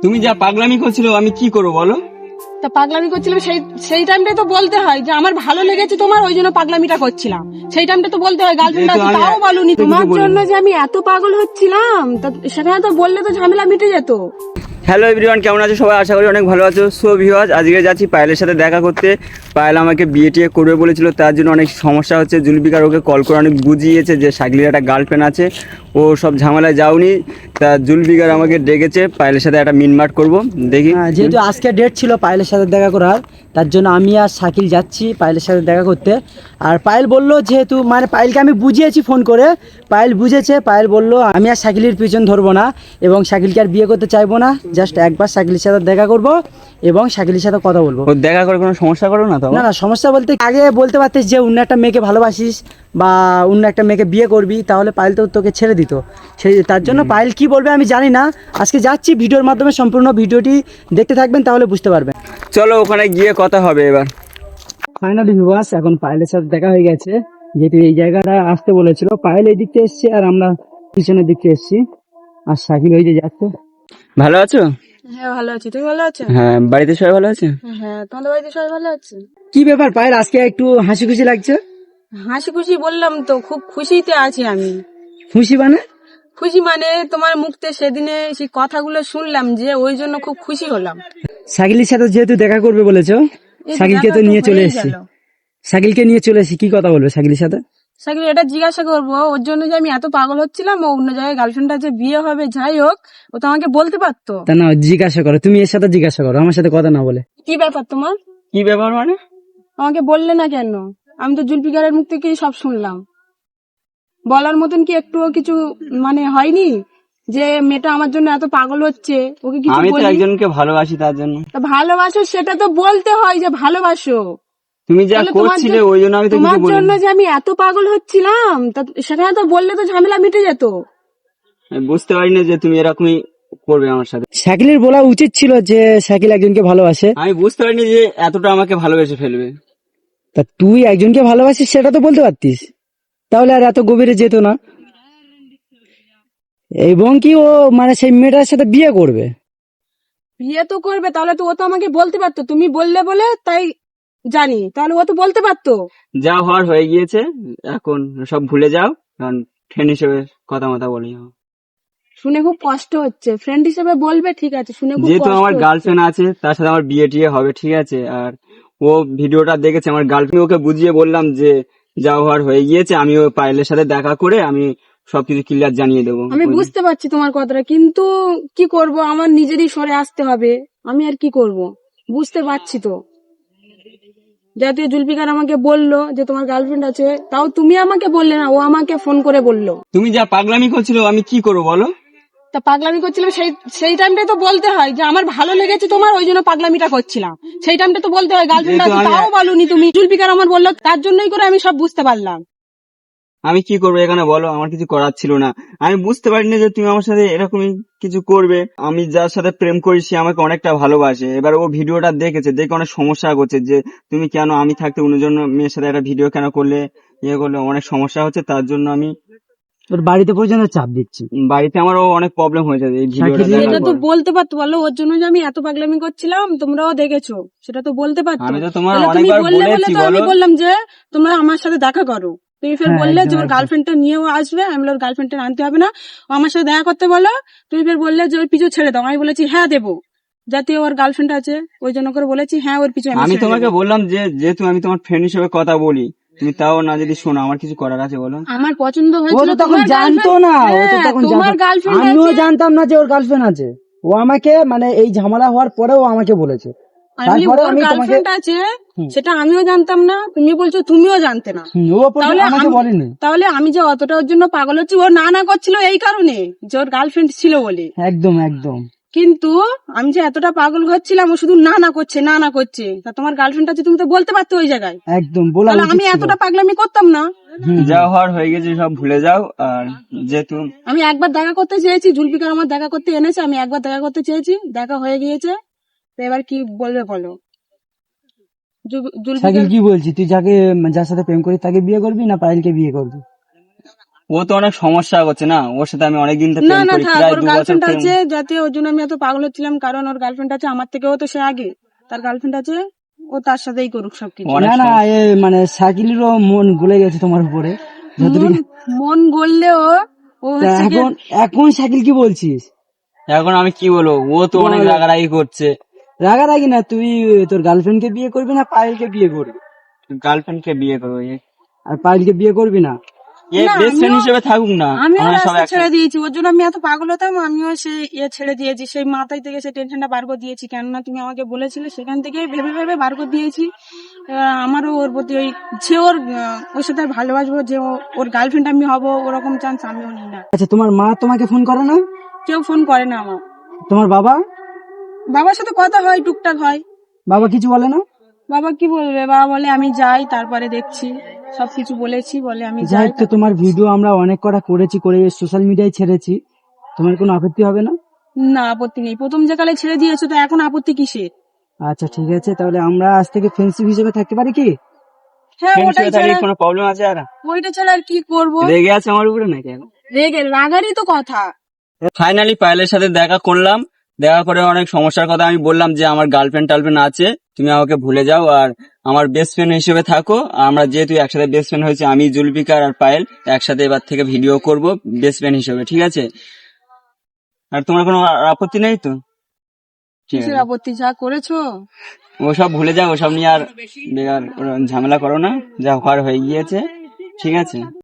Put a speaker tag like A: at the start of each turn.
A: তুমি যা পাগলামি করছিল আমি কি করবো বলো?
B: তা পাগলামি করছিলাম সেই টাইমটাই তো বলতে হয় যে আমার ভালো লেগেছে তোমার, ওই জন্য পাগলামিটা করছিলাম। সেই টাইমটা তো বলতে হয়, গার্লফ্রেন্ড
A: যেহেতু
B: আছে
A: আমি
B: তাও বলুনি।
A: কিছু
B: তোমার
A: বলিনি।
B: জন্য যে আমি এত পাগল হচ্ছিলাম তা সেখানে তো বললে তো ঝামেলা মিটে যেত।
A: হ্যালো এভরিওয়ান, কেমন আছো সবাই? আশা করি অনেক ভালো আছো। সো ভিউয়ার্স, আজকে যাচ্ছি পায়েলের সাথে দেখা করতে। পায়েল আমাকে বিয়ে টিয়ে করবে বলেছিল, তার জন্য অনেক সমস্যা হচ্ছে। জুলফিকার ওকে কল করে অনেক বুঝিয়েছে যে শাকিলের একটা গার্লফ্রেন্ড আছে, ও সব ঝামেলায় যাওনি। তা জুলফিকার আমাকে ডেকেছে পায়েলের সাথে একটা মিটমাট করবো, দেখি।
C: হ্যাঁ, যেহেতু আজকে ডেট ছিল পায়েলের সাথে দেখা করার, তার জন্য আমি আর শাকিল যাচ্ছি পায়েলের সাথে দেখা করতে। আর পায়েল বললো, যেহেতু মানে পায়েলকে আমি বুঝিয়েছি ফোন করে, পায়েল বুঝেছে। পায়েল বললো আমি আর শাকিলের পিছন ধরবো না এবং শাকিলকে আর বিয়ে করতে চাইবো না, জাস্ট একবার শাকিলের সাথে দেখা করব এবং শাকিলের সাথে কথা বলবো।
A: ও দেখা করে কোনো সমস্যা করো না তো?
C: না না, সমস্যা বলতে আগে বলতে পারতিস যে অন্য একটা মেয়েকে ভালোবাসিস বা অন্য একটা মেয়েকে বিয়ে করবি, তাহলে পায়েল তো তোকে ছেড়ে দিত। সেই তার জন্য পায়েল কি বলবে আমি জানি না। আজকে যাচ্ছি, ভিডিওর মাধ্যমে সম্পূর্ণ ভিডিওটি দেখতে থাকবেন, তাহলে বুঝতে পারবেন।
A: চলো ওখানে গিয়ে কথা হবে এবার।
C: ফাইনালি ভিউয়ার্স, এখন পায়েলের সাথে দেখা হয়ে গেছে। যেহেতু এই জায়গাটা আসতে বলেছিল, পায়েল এই দিকতে এসছে আর আমরা পিছনের দিকতে এসছি, আর শাকিল ওই যে যাচ্ছে।
A: ভালো আছো?
B: হ্যাঁ ভালো আছি, তুমি ভালো আছো?
A: হ্যাঁ, বাড়িতে সবাই ভালো আছে?
B: হ্যাঁ, তোমাদের বাড়িতে সবাই ভালো আছে?
C: কি ব্যাপার পায়েল, আজকে একটু হাসি খুশি লাগছে?
B: হাসি খুশি বললাম তো, খুব খুশিতে আছি আমি।
C: খুশি মানে?
B: খুশি মানে তোমার মুখ থেকে সেদিনে সেই কথাগুলো শুনলাম, যে ওই জন্য খুব খুশি হলাম।
C: শাকিলের সাথে যেহেতু দেখা করবে বলেছো,
B: এই
C: শাকিলকে
B: দেখা
C: তো
B: তো
C: নিয়ে চলে
B: হয়েই
C: এসেছি।
B: গেল।
C: শাকিলকে নিয়ে চলে এসেছি, কি কথা বলবে শাকিলের সাথে?
B: সাকিব এটা জিজ্ঞাসা করবো ওর জন্য যে আমি এত পাগল হচ্ছিলাম, ও অন্য জায়গায় গার্লফ্রেন্ড আছে, বিয়ে হবে, যাই হোক, ও তো আমাকে বলতে পারতো।
C: তা না, জিজ্ঞাসা করো, তুমি এর সাথে জিজ্ঞাসা করো, আমার সাথে কথা না বলে।
B: কি ব্যাপার তোমার?
A: কি ব্যাপার মানে?
B: আমাকে বললে না কেন? আমি তো জুলফিকারের মুখ থেকেই সব শুনলাম। বলার মতন কি একটুও কিছু মানে হয়নি যে মেয়েটা আমার জন্য এত পাগল হচ্ছে, ওকে কিছু
A: আমি তো
B: বলি?
A: একজনকে ভালোবাসি, তার জন্য।
B: তা ভালোবাসো সেটা তো বলতে হয় যে ভালোবাসো।
A: তুমি যা
B: তাহলে তোমার
A: করছিলে ওই জন্য আমি তো কিছু
B: তোমার
A: বলিনি।
B: জন্য যে আমি এত পাগল হচ্ছিলাম তা সেখানে তো বললে তো ঝামেলা মিটে যেত।
A: আমি বুঝতে পারিনি যে তুমি এরকমই করবে আমার সাথে।
C: শাকিলের বলা উচিত ছিল যে শাকিল একজনকে ভালোবাসে।
A: আমি বুঝতে পারিনি যে এতটা আমাকে ভালোবেসে ফেলবে।
C: তা তুই একজনকে ভালোবাসিস সেটা তো বলতে পারতিস, তাহলে আর এত গভীরে যেত না। এবং কি ও মানে সেই মেয়েটার সাথে বিয়ে করবে?
B: বিয়ে তো করবে, তাহলে তো ও তো আমাকে বলতে পারতো, তুমি বললে বলে তাই জানি, তাহলে ও তো বলতে পারতো।
A: যা হওয়ার হয়ে গিয়েছে, এখন সব ভুলে যাও। কারণ ফ্রেন্ড হিসেবে কথা মতা বলি।
B: শুনে খুব কষ্ট হচ্ছে, ফ্রেন্ড হিসেবে বলবে ঠিক আছে, শুনে খুব
A: যেহেতু
B: কষ্ট
A: আমার
B: হচ্ছে।
A: গার্লফ্রেন্ড আছে, তার সাথে আমার বিয়ে টিয়ে হবে, ঠিক আছে। আর ও ভিডিওটা দেখেছে আমার গার্লফ্রেন্ড, ওকে বুঝিয়ে বললাম যে যা হওয়ার হয়ে গিয়েছে, আমি ও পায়েলের সাথে দেখা করে আমি সবকিছু ক্লিয়ার জানিয়ে দেবো।
B: আমি বুঝতে পারছি তোমার কথাটা, কিন্তু কি করব, আমার নিজেরই সরে আসতে হবে। আমি আর কি করব, বুঝতে পারছি তো। যেহেতু জুলফিকার আমাকে বললো যে তোমার গার্লফ্রেন্ড আছে, তাও তুমি আমাকে বললে না, ও আমাকে ফোন করে বললো।
A: তুমি যা পাগলামি করছিল আমি কি করবো বলো?
B: তা পাগলামি করছিলাম, সেই টাইমটাই তো বলতে হয় যে আমার ভালো লেগেছে তোমার, ওই জন্য পাগলামিটা করছিলাম। সেই টাইমটা তো বলতে হয়, গার্লফ্রেন্ড আছে
A: যেহেতু
B: তাও বলুনি তুমি। জুলফিকার আমার বললো, তার জন্যই করে আমি সব বুঝতে পারলাম।
A: আমি কি করবো এখানে বলো? আমার কিছু করার ছিল না। আমি বুঝতে পারিনি যে তুমি আমার সাথে এরকমই কিছু করবে। আমি যার সাথে প্রেম করি সে আমাকে অনেকটা ভালোবাসে। এবার ও ভিডিওটা দেখেছে, দেখে অনেক সমস্যা করছে যে তুমি কেন আমি থাকতে অন্যজন মেয়ের সাথে একটা ভিডিও কেন করলে, ইয়ে করলে, অনেক সমস্যা হচ্ছে। তার জন্য আমি
C: তোর বাড়িতে পর্যন্ত চাপ দিচ্ছি।
A: বাড়িতে আমারও অনেক প্রবলেম হয়েছে এই ভিডিওটা
C: শাকিলের-
A: দেখার
B: সেটা তো
A: পর।
B: বলতে পারতো, বলো ওর জন্য যে আমি এত পাগলামি করছিলাম, তোমরাও দেখেছো, সেটা তো বলতে পারতো।
A: আমি তো তোমার
B: তাহলে তুমি
A: অনেকবার
B: বললে বলে
A: বলেছি,
B: তো আমি
A: বলো।
B: বললাম যে তোমরা আমার সাথে দেখা করো। তুমি ফের
C: হ্যাঁ,
B: বললে যে
C: একদম,
B: ওর
C: একদম।
B: গার্লফ্রেন্ডটা নিয়েও আসবে, আমি বললাম ওর গার্লফ্রেন্ডটা আনতে হবে না, ও আমার সাথে দেখা করতে বলো। তুমি ফের বললে যে ওর পিছু ছেড়ে দাও, আমি বলেছি হ্যাঁ দেবো, যাতে ওর গার্লফ্রেন্ড আছে ওই জন্য করে বলেছি হ্যাঁ ওর পিছু আমি
A: আমি
B: ছেড়ে
A: তোমাকে
B: দেবো।
A: বললাম যে যেহেতু আমি তোমার ফ্রেন্ড হিসেবে কথা বলি, তুমি তাও না যদি শোনো, আমার কিছু করার আছে বলো?
B: আমার পছন্দ
C: ও
B: হয়েছিল
C: তো তখন
B: তোমার
C: জানতো
B: গার্লফ্রেন্ড,
C: না, ও তো তখন
B: তোমার
C: জানতো।
B: গার্লফ্রেন্ড
C: আমিও
B: আছে।
C: জানতাম না যে ওর গার্লফ্রেন্ড আছে। ও আমাকে মানে এই ঝামেলা হওয়ার পরেও আমাকে বলেছে,
B: আমি
C: তারপরে
B: ওর
C: আমি তোমাকে।
B: গার্লফ্রেন্ড আছে
C: হুম।
B: সেটা আমিও জানতাম না, তুমি বলছো তুমিও জানতে না।
C: ও পর্যন্ত আমাকে বলেনি।
B: তাহলে আমি যে অতটা ওর জন্য পাগল হচ্ছি, ও না না করছিল এই কারণে যে ওর গার্লফ্রেন্ড ছিল বলে।
C: একদম একদম।
B: কিন্তু আমি যে এতটা পাগল হচ্ছিলাম, ও শুধু না না করছে না না করছে। তা তোমার গার্লফ্রেন্ড আছে, তুমি তো বলতে পারতো ওই জায়গায়,
C: একদম বলা
B: তাহলে
C: উচিত
B: আমি
C: ছিল।
B: এতটা পাগলামি করতাম না।
A: যা হওয়ার হয়ে গেছে সব ভুলে যাও। আর যেহেতু
B: আমি একবার দেখা করতে চেয়েছি, জুলফিকার আমার দেখা করতে এনেছে, আমি একবার দেখা করতে চেয়েছি, দেখা হয়ে গিয়েছে। তো এবার কি বলবে বলো?
C: শাকিল কি বলছি, তুই যার সাথে প্রেম করিস তাকে বিয়ে করবি না পায়েলকে বিয়ে করবি?
A: ও তো অনেক সমস্যা করছে না, ওর সাথে আমি অনেকদিন থেকে
B: না
A: প্রেম
B: না
A: করি,
B: থাক,
A: প্রায়
B: ওর
A: 2 বছর
B: গার্লফ্রেন্ড
A: প্রেম।
B: আছে যাতে, ওর জন্য আমি এত পাগল হচ্ছিলাম, কারণ ওর গার্লফ্রেন্ড আছে আমার থেকেও তো সে আগে, তার গার্লফ্রেন্ড আছে, ও তার সাথেই করুক সবকিছু।
A: অনেক
C: না না, এ মানে শাকিলেরও মন গলে গেছে তোমার উপরে
B: মন
C: যতটুকু।
B: মন গড়লেও ও
C: তা
B: হচ্ছে কি,
C: এখন এখন শাকিল কি বলছিস?
A: এখন আমি কি বলবো, ও তো অনেক
C: বল।
A: রাগারাগি করছে।
C: রাগারাগি না, তুই তোর গার্লফ্রেন্ডকে বিয়ে করবি না পায়েলকে বিয়ে করবি?
A: গার্লফ্রেন্ডকে বিয়ে করবো,
C: আর পায়েলকে বিয়ে করবি না?
B: না
A: বেস্ট ফ্রেন্ড হিসেবে থাকুক না,
B: আমিও
A: আমরা সব
B: রাস্তা
A: একসাথে।
B: ছেড়ে দিয়েছি, ওর জন্য আমি এত পাগল হতাম, আমিও সে ছেড়ে দিয়েছি, সেই মাথায় থেকে সে টেনশনটা বার করে দিয়েছি, কেননা তুমি আমাকে বলেছিলে, সেখান থেকে ভেবে ভেবে বার করে দিয়েছি। আমারও ওর প্রতি ওই যে ওর সাথে ভালোবাসবো, যে ওর গার্লফ্রেন্ড আমি হব, ওরকম চান্স আমিও নিই না।
C: আচ্ছা, তোমার মা তোমাকে ফোন করে না?
B: কেউ ফোন করে না আমার।
C: তোমার বাবা?
B: বাবার সাথে কথা হয়, টুকটাক হয়।
C: বাবা কিছু বলে না?
B: বাবা কি বলবে, বাবা বলে আমি যাই তারপরে দেখছি, সবকিছু বলেছি, বলে আমি
C: যাই
B: যাই।
C: হোক, তো তোমার ভিডিও আমরা অনেক কটা করেছি, করে সোশ্যাল মিডিয়ায় ছেড়েছি, তোমার কোনো আপত্তি হবে না?
B: না, আপত্তি নেই, প্রথম যে কালে ছেড়ে দিয়েছো তো এখন আপত্তি কিসের?
C: আচ্ছা ঠিক আছে, তাহলে আমরা আজ থেকে ফ্রেন্ডশিপ হিসেবে থাকতে পারি কি?
B: হ্যাঁ,
A: ফ্রেন্ড
B: ওটাই
A: হিসেবে থাকলে
B: ছাড়া,
A: কোনো প্রবলেম আছে? আর
B: ওইটা ছাড়া আর কি করবো?
A: রেগে আছে আমার উপরে নাকি এখন?
B: রাগারই তো কথা।
A: ফাইনালি পায়েলের সাথে দেখা করলাম, দেখা করে অনেক সমস্যার কথা আমি বললাম, যে আমার টার্লফ্রেন্ড আছে, তুমি আমাকে ভুলে যাও আর আমার বেস্ট ফ্রেন্ড হিসেবে থাকো। আমরা যেহেতু একসাথে বেস্ট ফ্রেন্ড হয়েছি, আমি জুলফিকার আর পায়েল একসাথে এবার থেকে ভিডিও করব বেস্ট ফ্রেন্ড হিসেবে, ঠিক আছে? আর তোমার কোনো আপত্তি নেই তো? ঠিক
B: কিসের
A: আছে,
B: আপত্তি, যা করেছো।
A: ওসব ভুলে যাও, ওসব নিয়ে আর বেকার ঝামেলা করো না, যা হওয়ার হয়ে গিয়েছে, ঠিক আছে?